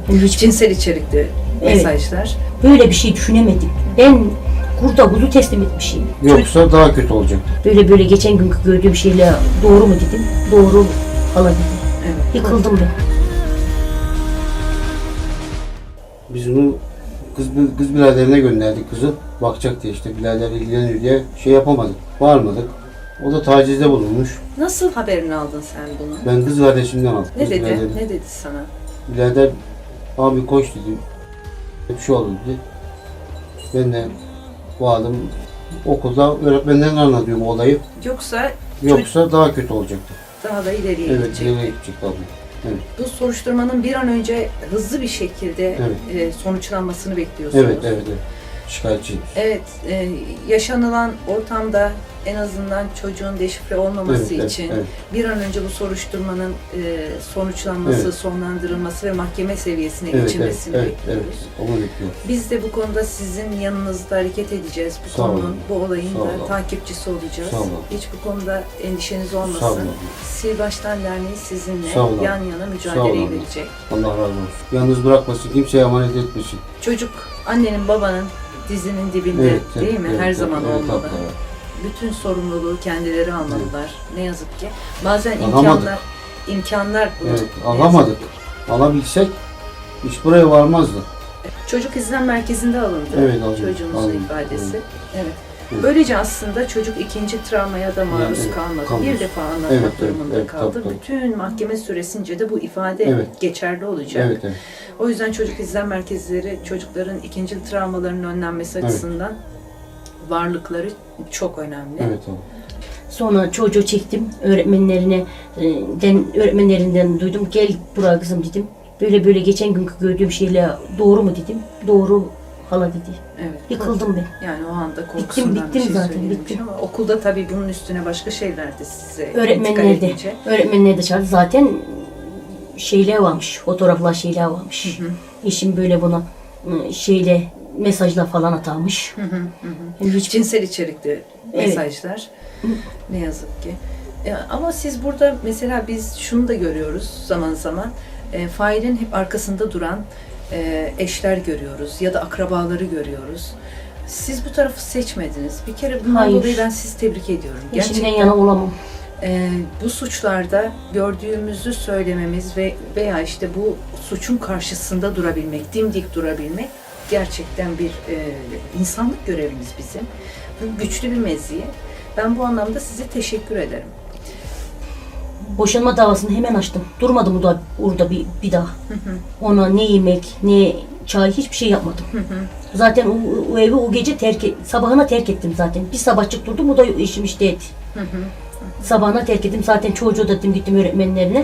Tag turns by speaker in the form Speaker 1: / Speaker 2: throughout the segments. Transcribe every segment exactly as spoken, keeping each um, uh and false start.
Speaker 1: Yani hiç
Speaker 2: Cinsel içerikli
Speaker 1: Evet.
Speaker 2: mesajlar.
Speaker 1: böyle bir şey düşünemedim. Ben kurda kuzu teslim etmişim.
Speaker 3: Yoksa daha kötü olacaktı.
Speaker 1: Böyle böyle geçen günkü gördüğüm şeyle doğru mu dedim. Doğru hala dedim.
Speaker 2: Evet.
Speaker 1: Yıkıldım ben.
Speaker 3: Biz bunu kız, kız biraderine gönderdik kızı. Bakacak diye işte birader ilgileniyor diye şey yapamadık. Varmadık. O da tacizde bulunmuş.
Speaker 2: Nasıl haberini aldın sen bunu?
Speaker 3: Ben kız kardeşimden aldım.
Speaker 2: Ne
Speaker 3: kız
Speaker 2: dedi?
Speaker 3: biraderim.
Speaker 2: Ne dedi sana?
Speaker 3: Birader abi koş dedi. Bir şey oldu dedi. Ben de bu adam okulda öğretmenlerine anlatıyorum olayı.
Speaker 2: Yoksa
Speaker 3: Yoksa daha kötü olacaktı.
Speaker 2: daha da ileriye
Speaker 3: Evet,
Speaker 2: gidecekti.
Speaker 3: nereye gidecekti abi? Evet,
Speaker 2: Bu soruşturmanın bir an önce hızlı bir şekilde
Speaker 3: Evet.
Speaker 2: e, sonuçlanmasını bekliyorsunuz.
Speaker 3: evet, evet. evet. Şikayetçiyim.
Speaker 2: Evet, e, yaşanılan ortamda en azından çocuğun deşifre olmaması
Speaker 3: Evet, evet,
Speaker 2: için
Speaker 3: evet.
Speaker 2: bir an önce bu soruşturmanın e, sonuçlanması,
Speaker 3: Evet.
Speaker 2: sonlandırılması ve mahkeme seviyesine
Speaker 3: Evet, evet,
Speaker 2: geçilmesini
Speaker 3: evet,
Speaker 2: bekliyoruz.
Speaker 3: evet. Onu bekliyorum.
Speaker 2: Biz de bu konuda sizin yanınızda hareket edeceğiz. Bu
Speaker 3: Sağ
Speaker 2: konunun,
Speaker 3: olun.
Speaker 2: bu olayın
Speaker 3: Sağ
Speaker 2: da
Speaker 3: olun.
Speaker 2: takipçisi olacağız.
Speaker 3: Sağ olun.
Speaker 2: Hiç bu konuda endişeniz
Speaker 3: Sağ
Speaker 2: olmasın.
Speaker 3: olun.
Speaker 2: Sil Baştan Derneği sizinle
Speaker 3: Sağ olun.
Speaker 2: yan yana
Speaker 3: Sağ
Speaker 2: mücadeleyi
Speaker 3: olun.
Speaker 2: verecek.
Speaker 3: Allah razı olsun. Yalnız bırakmasın, kimseye emanet etmesin.
Speaker 2: Çocuk annenin babanın dizinin dibinde
Speaker 3: Evet, evet,
Speaker 2: değil mi?
Speaker 3: evet,
Speaker 2: Her
Speaker 3: evet,
Speaker 2: zaman
Speaker 3: evet,
Speaker 2: olmalı.
Speaker 3: abla, evet.
Speaker 2: Bütün sorumluluğu kendileri almalılar. Ne yazık ki. Bazen
Speaker 3: Alamadık.
Speaker 2: imkanlar imkanlar bunu.
Speaker 3: Evet,
Speaker 2: ne
Speaker 3: alamadık.
Speaker 2: yazık ki.
Speaker 3: Alabilsek iş buraya varmazdı.
Speaker 2: Çocuk izlem merkezinde alındı.
Speaker 3: Evet, alındı.
Speaker 2: Çocuğumuzun
Speaker 3: Alındı,
Speaker 2: ifadesi.
Speaker 3: alındı.
Speaker 2: Evet.
Speaker 3: Evet.
Speaker 2: Böylece aslında çocuk ikinci travmaya da maruz
Speaker 3: Yani evet,
Speaker 2: kalmadı.
Speaker 3: kalmış.
Speaker 2: Bir defa anlatmak
Speaker 3: Evet, evet,
Speaker 2: durumunda
Speaker 3: evet,
Speaker 2: kaldı.
Speaker 3: tabii, tabii.
Speaker 2: Bütün mahkeme süresince de bu ifade
Speaker 3: Evet.
Speaker 2: geçerli olacak.
Speaker 3: Evet, evet.
Speaker 2: O yüzden çocuk izlem merkezleri çocukların ikinci travmalarının önlenmesi
Speaker 3: Evet.
Speaker 2: açısından varlıkları çok önemli.
Speaker 3: Evet abi.
Speaker 1: Sonra çocuğu çektim öğretmenlerine, e, den, öğretmenlerinden duydum. Gel buraya kızım dedim. Böyle böyle geçen günkü gördüğüm şeyle doğru mu dedim. Doğru hala dedi.
Speaker 2: Evet.
Speaker 1: Yıkıldım ben.
Speaker 2: Yani o anda korkusundan
Speaker 1: bittim
Speaker 2: bir şey
Speaker 1: zaten,
Speaker 2: söylemiş
Speaker 1: bittim.
Speaker 2: ama okulda tabii bunun üstüne başka şeyler de size intikal
Speaker 1: Öğretmenler de,
Speaker 2: edince.
Speaker 1: öğretmenler de çağırdı. Zaten şeyler varmış, fotoğraflar şeyler varmış.
Speaker 2: Hı hı.
Speaker 1: Eşim böyle buna e, şeyle mesajla falan atarmış.
Speaker 2: Hı hı, hı hı.
Speaker 1: Yani hiç
Speaker 2: Cinsel içerikli
Speaker 1: Evet.
Speaker 2: mesajlar. Ne yazık ki. E, ama siz burada mesela biz şunu da görüyoruz zaman zaman. E, failin hep arkasında duran e, eşler görüyoruz ya da akrabaları görüyoruz. Siz bu tarafı seçmediniz. Bir kere bundan
Speaker 1: Hayır.
Speaker 2: dolayı ben sizi tebrik ediyorum.
Speaker 1: eşimden yana olamam.
Speaker 2: e, bu suçlarda gördüğümüzü söylememiz ve veya işte bu suçun karşısında durabilmek, dimdik durabilmek gerçekten bir e, insanlık görevimiz bizim. Bu güçlü bir meziyet. Ben bu anlamda size teşekkür ederim.
Speaker 1: Boşanma davasını hemen açtım. Durmadım o da orada bir, bir daha.
Speaker 2: Hı hı,
Speaker 1: Ona ne yemek, ne çay hiçbir şey yapmadım.
Speaker 2: hı hı.
Speaker 1: Zaten o, o evi o gece terk et, sabahına terk ettim zaten. Bir sabahçık durdum, o da işim işte et.
Speaker 2: Hı hı.
Speaker 1: Sabahına terk ettim. Zaten çocuğu da dedim, gittim öğretmenlerine.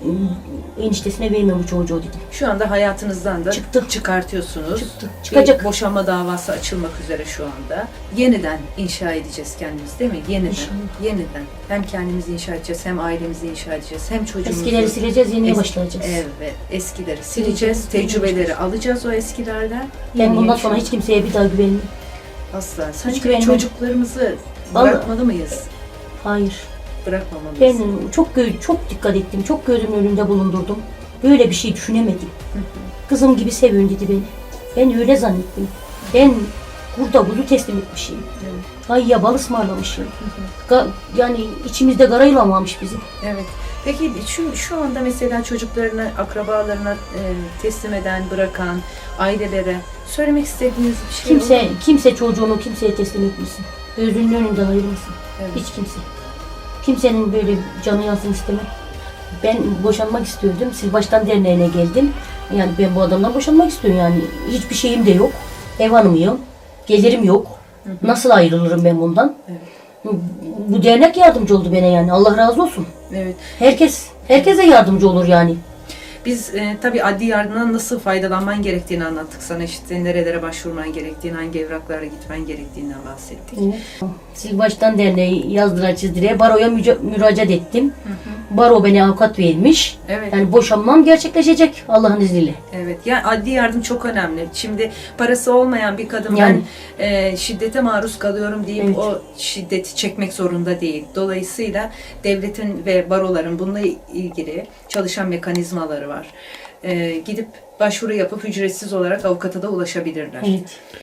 Speaker 1: Eniştesine vermiyorum bu çocuğu dedim.
Speaker 2: Şu anda hayatınızdan da
Speaker 1: Çıktı.
Speaker 2: çıkartıyorsunuz.
Speaker 1: Çıktı.
Speaker 2: Bir
Speaker 1: Çıkacak.
Speaker 2: boşanma davası açılmak üzere şu anda. Yeniden inşa edeceğiz kendimizi değil mi? Yeniden.
Speaker 1: İnşallah.
Speaker 2: Yeniden. Hem kendimizi inşa edeceğiz, hem ailemizi inşa edeceğiz, hem çocuğumuzu.
Speaker 1: Eskileri sileceğiz, yeniye
Speaker 2: Es-
Speaker 1: başlayacağız.
Speaker 2: Evet, eskileri
Speaker 1: Sileceğiz,
Speaker 2: sileceğiz, tecrübeleri
Speaker 1: sileceğiz.
Speaker 2: alacağız o eskilerden.
Speaker 1: Ben
Speaker 2: Yeniye
Speaker 1: bundan
Speaker 2: inşa-
Speaker 1: sonra hiç kimseye bir daha güvenmiyorum.
Speaker 2: Asla.
Speaker 1: hiç
Speaker 2: Sanki
Speaker 1: güvenmem.
Speaker 2: çocuklarımızı
Speaker 1: Vallahi-
Speaker 2: bırakmalı mıyız?
Speaker 1: Hayır.
Speaker 2: Bırakmamalıyız.
Speaker 1: Ben çok gö- çok dikkat ettim, çok gözümün önünde bulundurdum. Böyle bir şey düşünemedim. Kızım gibi seviyorsun dedi beni. Ben öyle zannettim. Ben kurda kuzu teslim etmişim.
Speaker 2: Evet.
Speaker 1: Ay ya bal ısmarlamışım. Ga- yani içimizde gara yılamamış bizim.
Speaker 2: Evet. Peki şu, şu anda mesela çocuklarına, akrabalarına e, teslim eden, bırakan ailelere söylemek istediğiniz bir şey
Speaker 1: Kimse
Speaker 2: olur mu?
Speaker 1: kimse çocuğunu kimseye teslim etmesin. Gözünün önünden ayırmasın.
Speaker 2: Evet.
Speaker 1: Hiç kimse. Kimsenin böyle canı yansın istemem. Ben boşanmak istiyordum. Sil Baştan Derneği'ne geldim. Yani ben bu adamdan boşanmak istiyorum yani. Hiçbir şeyim de yok. Ev hanımıyım. Gelirim yok.
Speaker 2: Hı hı.
Speaker 1: Nasıl ayrılırım ben bundan?
Speaker 2: Evet.
Speaker 1: Bu dernek yardımcı oldu bana yani. Allah razı olsun.
Speaker 2: Evet.
Speaker 1: Herkes herkese yardımcı olur yani.
Speaker 2: Biz e, tabii adli yardımdan nasıl faydalanman gerektiğini anlattık sana. İşte nerelere başvurman gerektiğini, hangi evraklara gitmen gerektiğinden bahsettik.
Speaker 1: Sil Baştan Derneği yazdıra çizdire baroya müca- müracaat ettim.
Speaker 2: Hı hı.
Speaker 1: Baro beni avukat vermiş.
Speaker 2: Evet.
Speaker 1: Yani boşanmam gerçekleşecek Allah'ın izniyle.
Speaker 2: Evet. Yani adli yardım çok önemli. Şimdi parası olmayan bir kadın
Speaker 1: Yani.
Speaker 2: ben e, şiddete maruz kalıyorum deyip
Speaker 1: Evet.
Speaker 2: o şiddeti çekmek zorunda değil. Dolayısıyla devletin ve baroların bununla ilgili çalışan mekanizmaları var. e, gidip başvuru yapıp ücretsiz olarak avukata da ulaşabilirler.
Speaker 1: Evet.